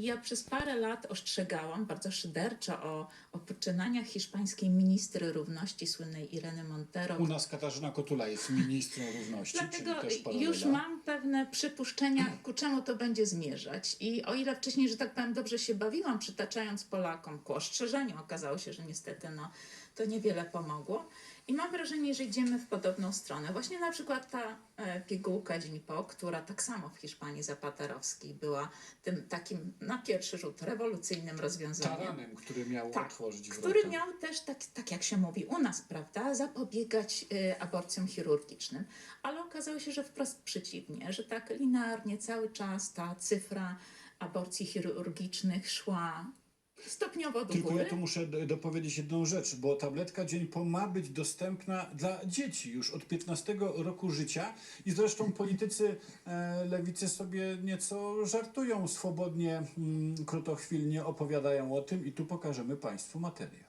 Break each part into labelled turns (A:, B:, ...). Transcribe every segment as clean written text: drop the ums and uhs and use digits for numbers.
A: I ja przez parę lat ostrzegałam bardzo szyderczo o poczynaniach hiszpańskiej ministry równości, słynnej Ireny Montero.
B: U nas Katarzyna Kotula jest ministrą równości,
A: Dlatego
B: czyli też paralela.
A: już mam pewne przypuszczenia, ku czemu to będzie zmierzać. I o ile wcześniej, że tak powiem, dobrze się bawiłam, przytaczając Polakom ku ostrzeżeniu, okazało się, że niestety to niewiele pomogło. I mam wrażenie, że idziemy w podobną stronę. Właśnie na przykład ta pigułka Dzień Po, która tak samo w Hiszpanii zapaterowskiej była tym takim na pierwszy rzut rewolucyjnym rozwiązaniem.
B: Taranem, który miał otworzyć wrota.
A: Który miał też, tak jak się mówi u nas, prawda, zapobiegać aborcjom chirurgicznym. Ale okazało się, że wprost przeciwnie, że tak linearnie cały czas ta cyfra aborcji chirurgicznych szła stopniowo do
B: Tylko
A: góry.
B: ja tu muszę dopowiedzieć jedną rzecz, bo tabletka Dzień Po ma być dostępna dla dzieci już od 15 roku życia i zresztą politycy lewicy sobie nieco żartują, swobodnie, krótochwilnie opowiadają o tym i tu pokażemy Państwu materiał.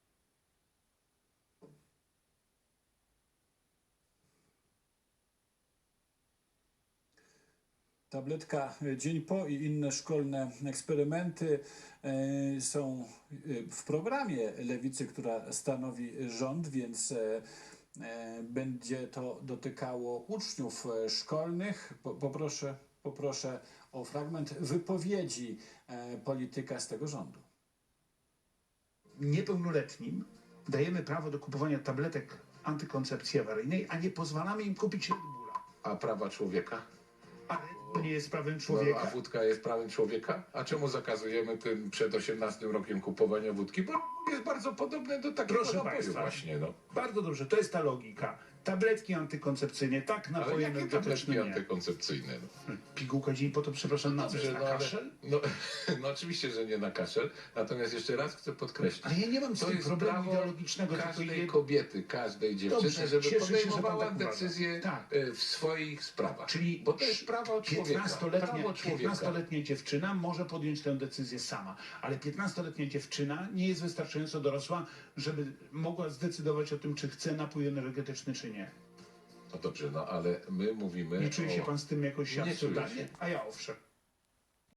B: Tabletka Dzień Po i inne szkolne eksperymenty są w programie lewicy, która stanowi rząd, więc będzie to dotykało uczniów szkolnych. Poproszę o fragment wypowiedzi polityka z tego rządu.
C: Niepełnoletnim dajemy prawo do kupowania tabletek antykoncepcji awaryjnej, a nie pozwalamy im kupić Red Bulla.
D: A prawa człowieka?
C: Ale to nie jest prawem
D: No,
C: człowieka.
D: a wódka jest prawem człowieka? A czemu zakazujemy tym przed 18 rokiem kupowania wódki? Bo jest bardzo podobne do takiego
C: Proszę
D: napoju
C: Państwa,
D: właśnie, no.
C: bardzo dobrze, to jest ta logika. Tabletki antykoncepcyjne, tak,
D: Ale
C: napoje
D: jakie tabletki
C: energetyczne nie.
D: antykoncepcyjne? No.
C: Pigułka Dzień Po to, przepraszam, na co jest, na kaszel?
D: No oczywiście, że nie na kaszel. Natomiast jeszcze raz chcę podkreślić.
C: Ale ja nie mam z
D: To
C: tym
D: jest
C: problemu
D: prawo
C: ideologicznego, tylko
D: każdej kobiety, każdej dziewczyny,
C: Dobrze,
D: żeby
C: cieszę się, że pan
D: podejmowała
C: tak uważa.
D: decyzje
C: Tak.
D: w swoich sprawach.
C: Czyli
D: Bo to jest prawo człowieka. Prawo człowieka.
C: 15-letnia dziewczyna może podjąć tę decyzję sama, ale 15-letnia dziewczyna nie jest wystarczająco dorosła, żeby mogła zdecydować o tym, czy chce napój energetyczny, czy nie.
D: No dobrze, no ale my mówimy
C: Nie czuje się pan z tym jakoś
D: Nie czuję
C: absurdalnie?
D: się.
C: A ja owszem.